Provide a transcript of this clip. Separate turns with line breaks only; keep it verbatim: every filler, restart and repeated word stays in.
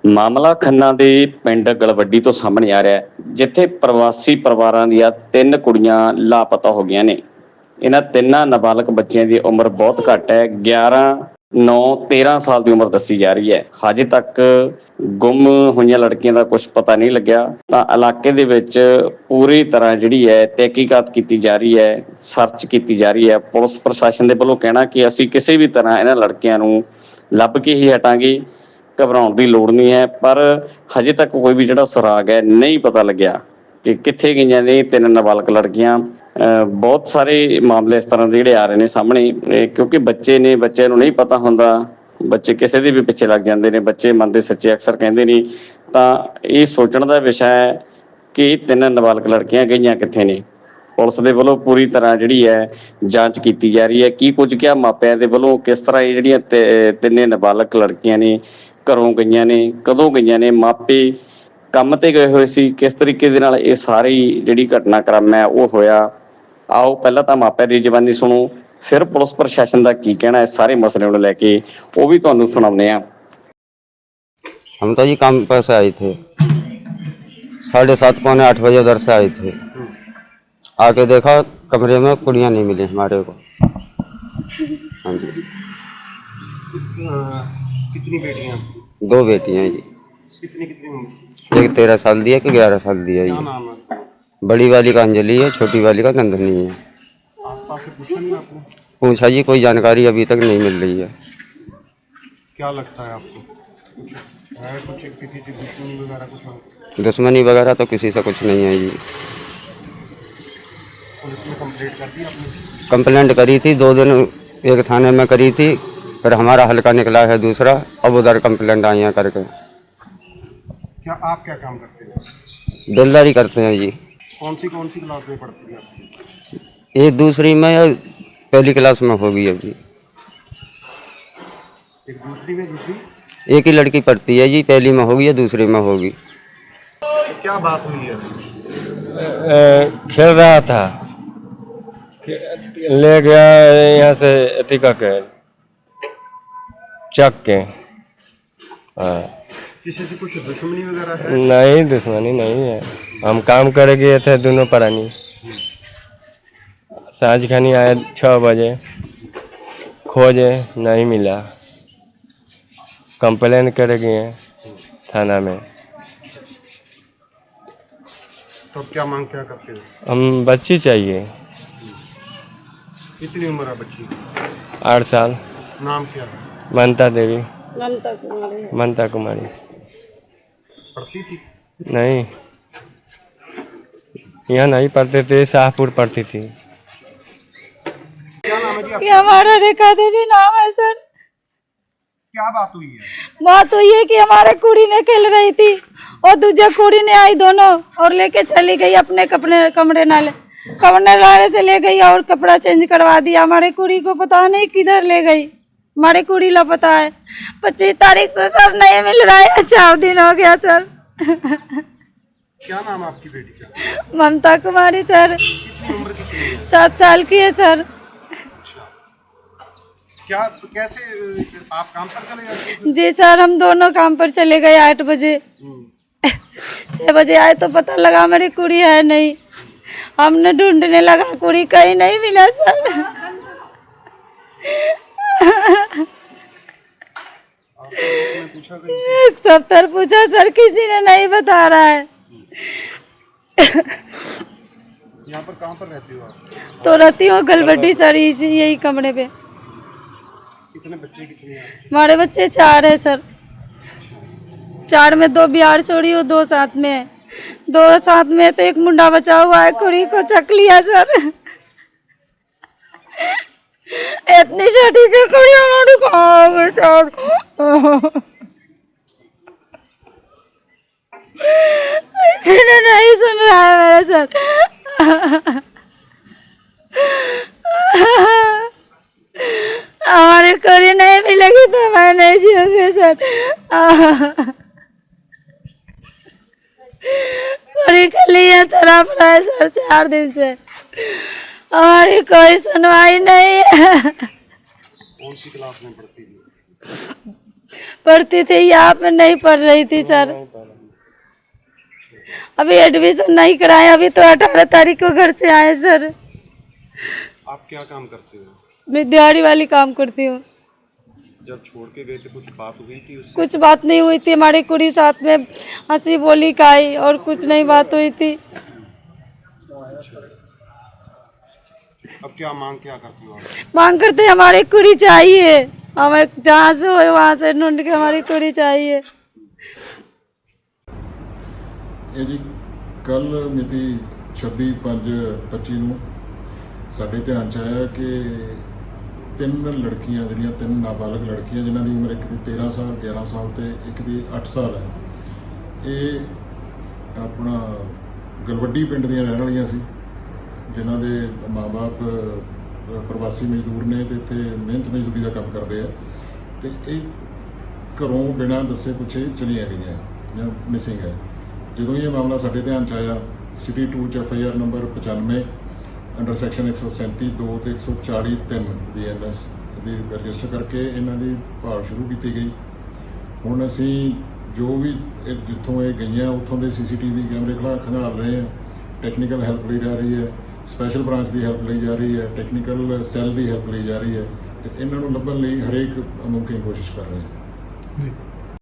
ਮਾਮਲਾ ਖੰਨਾ ਦੇ ਪਿੰਡ ਗਲਵੱਡੀ ਤੋਂ ਸਾਹਮਣੇ ਆ ਰਿਹਾ ਹੈ, ਜਿੱਥੇ ਪ੍ਰਵਾਸੀ ਪਰਿਵਾਰਾਂ ਦੀਆਂ ਤਿੰਨ ਕੁੜੀਆਂ ਲਾਪਤਾ ਹੋ ਗਈਆਂ ਨੇ। ਇਹਨਾਂ ਤਿੰਨਾਂ ਨਾਬਾਲਗ ਬੱਚਿਆਂ ਦੀ ਉਮਰ ਬਹੁਤ ਘੱਟ ਹੈ, ਗਿਆਰਾਂ ਨੌ ਤੇਰਾਂ ਸਾਲ ਦੀ ਉਮਰ ਦੱਸੀ ਜਾ ਰਹੀ ਹੈ। ਹਜੇ ਤੱਕ ਗੁੰਮ ਹੋਈਆਂ ਲੜਕੀਆਂ ਦਾ ਕੁਝ ਪਤਾ ਨਹੀਂ ਲੱਗਿਆ। ਤਾਂ ਇਲਾਕੇ ਦੇ ਵਿੱਚ ਪੂਰੀ ਤਰ੍ਹਾਂ ਜਿਹੜੀ ਹੈ ਤਹਿਕੀਕਾਤ ਕੀਤੀ ਜਾ ਰਹੀ ਹੈ, ਸਰਚ ਕੀਤੀ ਜਾ ਰਹੀ ਹੈ। ਪੁਲਿਸ ਪ੍ਰਸ਼ਾਸਨ ਦੇ ਵੱਲੋਂ ਕਹਿਣਾ ਕਿ ਅਸੀਂ ਕਿਸੇ ਵੀ ਤਰ੍ਹਾਂ ਇਹਨਾਂ ਲੜਕੀਆਂ ਨੂੰ ਲੱਭ ਕੇ ਹੀ ਹਟਾਂਗੇ, ਘਬਰਾਉਣ ਦੀ ਲੋੜ ਨਹੀਂ ਹੈ। ਪਰ ਹਜੇ ਤੱਕ ਕੋਈ ਵੀ ਜਿਹੜਾ ਸੁਰਾਗ ਹੈ ਨਹੀਂ ਪਤਾ ਲੱਗਿਆ ਕਿ ਕਿੱਥੇ ਗਈਆਂ ਨੇ ਤਿੰਨ ਨਾਬਾਲਗ ਲੜਕੀਆਂ। ਅਹ ਬਹੁਤ ਸਾਰੇ ਮਾਮਲੇ ਇਸ ਤਰ੍ਹਾਂ ਦੇ ਜਿਹੜੇ ਆ ਰਹੇ ਨੇ ਸਾਹਮਣੇ, ਇਹ ਕਿਉਂਕਿ ਬੱਚੇ ਨੇ, ਬੱਚਿਆਂ ਨੂੰ ਨਹੀਂ ਪਤਾ ਹੁੰਦਾ, ਬੱਚੇ ਕਿਸੇ ਦੇ ਵੀ ਪਿੱਛੇ ਲੱਗ ਜਾਂਦੇ ਨੇ। ਬੱਚੇ ਮਨ ਦੇ ਸੱਚੇ ਅਕਸਰ ਕਹਿੰਦੇ ਨੇ। ਤਾਂ ਇਹ ਸੋਚਣ ਦਾ ਵਿਸ਼ਾ ਹੈ ਕਿ ਤਿੰਨ ਨਾਬਾਲਗ ਲੜਕੀਆਂ ਗਈਆਂ ਕਿੱਥੇ ਨੇ। ਪੁਲਿਸ ਦੇ ਵੱਲੋਂ ਪੂਰੀ ਤਰ੍ਹਾਂ ਜਿਹੜੀ ਹੈ ਜਾਂਚ ਕੀਤੀ ਜਾ ਰਹੀ ਹੈ। ਕੀ ਕੁਝ ਕਿਹਾ ਮਾਪਿਆਂ ਦੇ ਵੱਲੋਂ, ਕਿਸ ਤਰ੍ਹਾਂ ਇਹ ਜਿਹੜੀਆਂ ਤਿੰਨੇ ਨਾਬਾਲਗ ਲੜਕੀਆਂ ਨੇ ਘਰੋਂ ਗਈਆਂ ਨੇ, ਕਦੋਂ ਗਈਆਂ ਨੇ, ਮਾਪੇ ਕੰਮ ਤੇ ਗਏ ਹੋਏ ਸੀ, ਕਿਸ ਤਰੀਕੇ ਦੇ ਨਾਲ ਇਹ ਸਾਰੀ ਜਿਹੜੀ ਘਟਨਾਕ੍ਰਮ ਹੈ ਉਹ ਹੋਇਆ। ਆਓ ਪਹਿਲਾਂ ਤਾਂ ਮਾਪਿਆਂ ਦੀ ਜ਼ਬਾਨੀ ਸੁਣੋ, ਫਿਰ ਪੁਲਿਸ ਪ੍ਰਸ਼ਾਸਨ ਦਾ ਕੀ ਕਹਿਣਾ ਇਸ ਸਾਰੇ ਮਸਲੇ ਨੂੰ ਲੈ ਕੇ ਉਹ भी ਤੁਹਾਨੂੰ ਸੁਣਾਉਂਦੇ ਆ।
हम तो जी काम पर से आए थे, साढ़े सात पौने आठ बजे उधर से आए थे। आके देखा कमरे में कुड़ियाँ नहीं मिली हमारे को। हाँ जी।
कितनी बेटियाँ?
दो बेटियाँ जी।
कितनी कितनी उम्र?
एक तेरह साल दी है, कि ग्यारह साल दी है
क्या
जी।
नाम है?
बड़ी वाली का अंजलि है, छोटी वाली का नंदनी है।
आसपास से पूछा नहीं आपने?
पूछा जी, कोई जानकारी अभी तक नहीं मिल रही है।
क्या लगता है आपको कुछ है, कुछ किसी की दुश्मनी वगैरह कुछ है?
दुश्मनी वगैरह तो किसी से कुछ नहीं है जी।
पुलिस में कंप्लेंट कर दी आपने?
कंप्लेंट करी थी, दो दिन एक थाने में करी थी, फिर हमारा हल्का निकला है दूसरा, अब उधर कंप्लेंट आई है करके।
क्या आप क्या काम करते हैं?
बिल्डरी करते हैं जी।
कौन सी कौन सी क्लास में पढ़ती है आपकी?
ये दूसरी में या पहली क्लास में होगी अभी।
एक दूसरी में, दूसरी
एक ही लड़की पढ़ती है जी, पहली में होगी या दूसरी में होगी।
क्या बात हुई है?
खेल रहा था, ले गया यहाँ से अतिका के चक के। हाँ,
किसी से कुछ दुश्मनी वगैरह है?
नहीं दुश्मनी नहीं है, हम काम करे गए थे दोनों प्राणी। साँझ खानी आए छः बजे, खोजे नहीं मिला, कंप्लेन करे गए थाना में।
तो अब क्या मांग क्या करते हो?
हम बच्ची चाहिए।
कितनी उम्र है बच्ची?
आठ साल।
नाम क्या है?
ममता देवी।
ममता कुमारी।
ममता कुमारी।
पढ़ती थी?
नहीं, यहाँ नहीं पढ़ते थे, शाहपुर पढ़ती थी।
क्या नाम है जी आपका?
ये हमारा रेखा देवी नाम है सर।
क्या बात हुई है?
बात हुई है कि हमारे कुड़ी ने खेल रही थी और दूसरे कुड़ी ने आई दोनों और लेके चली गई अपने कपड़े कमरे नाले कमरे नाले से ले गई और कपड़ा चेंज करवा दिया। हमारे कुड़ी को पता नहीं किधर ले गई, हमारे कुड़ी लापता है। पच्चीस तारीख से सर नहीं मिल रहा है, चार दिन हो गया सर।
क्या नाम है आपकी बेटी का?
ममता कुमारी सर।
कितनी उम्र कितनी है?
सात साल की है सर।
क्या कैसे आप काम पर चले जाते थे?
जी सर, हम दोनों काम पर चले गए आठ बजे। छः बजे आए तो पता लगा मेरी कुड़ी है नहीं। हमने ढूंढने लगा, कुड़ी कहीं नहीं मिला सर। एक सप्ताह पूछा सर, किसी ने नहीं बता रहा है।
यहाँ पर कहाँ पर रहती हो आप?
तो रहती हूँ गलबड्डी सर, इसी यही कमरे पे।
कितने बच्चे कितने हैं?
हमारे बच्चे चार है सर। चार में दो बिहार छोड़ी और दो साथ में है। दो साथ में तो एक मुंडा बचा हुआ है, कुड़ी को चक लिया सर। इतनी छोटी सी कुड़ी हमारी कहाँ है सर? इन्हें नहीं सुन रहा है मेरा सर। हमारे कुड़ी नहीं मिलेगी तो मैं नहीं जीऊंगी सर। कुड़ी के लिए तरफ रहे सर चार दिन से, हमारी कोई सुनवाई नहीं है।
कौन सी क्लास में पढ़ती थी?
पढ़ती थी, यहाँ पे नहीं पढ़ रही थी सर। अभी एडमिशन नहीं कराए, अभी तो अठारह तारीख को घर से आए सर।
आप क्या काम करते हो?
मैं दिहाड़ी वाली काम करती हूँ।
जब छोड़ के गए थे कुछ बात हुई थी उससे?
कुछ बात नहीं हुई थी, हमारी कुड़ी साथ में हंसी बोली खाई और कुछ नहीं बात हुई थी।
अब क्या मांग क्या करती हो आप?
मांग करते हमारी कुड़ी चाहिए, हमें जहाँ से हो वहाँ से ढूंढ के हमारी कुड़ी चाहिए।
ਇਹ ਜੀ ਕੱਲ ਮਿਤੀ ਛੱਬੀ ਪੰਜ ਪੱਚੀ ਨੂੰ ਸਾਡੇ ਧਿਆਨ ਚ ਆਇਆ ਕਿ ਤਿੰਨ ਲੜਕੀਆਂ ਜਿਹੜੀਆਂ ਤਿੰਨ ਨਾਬਾਲਗ ਲੜਕੀਆਂ ਜਿਨ੍ਹਾਂ ਦੀ ਉਮਰ ਇੱਕ ਦੀ ਤੇਰਾਂ ਸਾਲ ਗਿਆਰਾਂ ਸਾਲ ਤੇ ਇੱਕ ਦੀ ਅੱਠ ਸਾਲ ਹੈ, ਇਹ ਆਪਣਾ ਗਲਵੱਡੀ ਪਿੰਡ ਦੀਆਂ ਰਹਿਣ ਵਾਲੀਆਂ ਸੀ, ਜਿਨ੍ਹਾਂ ਦੇ ਮਾਂ-ਬਾਪ ਪ੍ਰਵਾਸੀ ਮਜ਼ਦੂਰ ਨੇ ਤੇ ਇੱਥੇ ਮਿਹਨਤ ਮਜ਼ਦੂਰੀ ਦਾ ਕੰਮ ਕਰਦੇ ਆ, ਤੇ ਇਹ ਘਰੋਂ ਬਿਨਾਂ ਦੱਸੇ ਪੁੱਛੇ ਚਲੀਆਂ ਗਈਆਂ ਜਾਂ ਮਿਸਿੰਗ ਹੈ। ਜਦੋਂ ਇਹ ਮਾਮਲਾ ਸਾਡੇ ਧਿਆਨ 'ਚ ਆਇਆ, ਸਿਟੀ ਟੂ 'ਚ ਐਫ ਆਈ ਆਰ ਨੰਬਰ ਪਚਾਨਵੇਂ ਅੰਡਰ ਸੈਕਸ਼ਨ ਇੱਕ ਸੌ ਸੈਂਤੀ ਦੋ ਤੇ ਇੱਕ ਸੌ ਚਾਲੀ ਤਿੰਨ ਬੀ ਐਨ ਐਸ ਦੀ ਰਜਿਸਟਰ ਕਰਕੇ ਇਹਨਾਂ ਦੀ ਭਾਲ ਸ਼ੁਰੂ ਕੀਤੀ ਗਈ। ਹੁਣ ਅਸੀਂ ਜੋ ਵੀ ਇਹ ਜਿੱਥੋਂ ਇਹ ਗਈਆਂ ਉੱਥੋਂ ਦੇ ਸੀ ਸੀ ਟੀ ਵੀ ਕੈਮਰੇ ਖਲਾ ਖੰਗਾਲ ਰਹੇ ਹਾਂ, ਟੈਕਨੀਕਲ ਹੈਲਪ ਲਈ ਜਾ ਰਹੀ ਹੈ, ਸਪੈਸ਼ਲ ਬ੍ਰਾਂਚ ਦੀ ਹੈਲਪ ਲਈ ਜਾ ਰਹੀ ਹੈ, ਟੈਕਨੀਕਲ ਸੈੱਲ ਦੀ ਹੈਲਪ ਲਈ ਜਾ ਰਹੀ ਹੈ, ਤੇ ਇਹਨਾਂ ਨੂੰ ਲੱਭਣ ਲਈ ਹਰੇਕ ਮੁਮਕਿਨ ਕੋਸ਼ਿਸ਼ ਕਰ ਰਹੇ ਹਾਂ।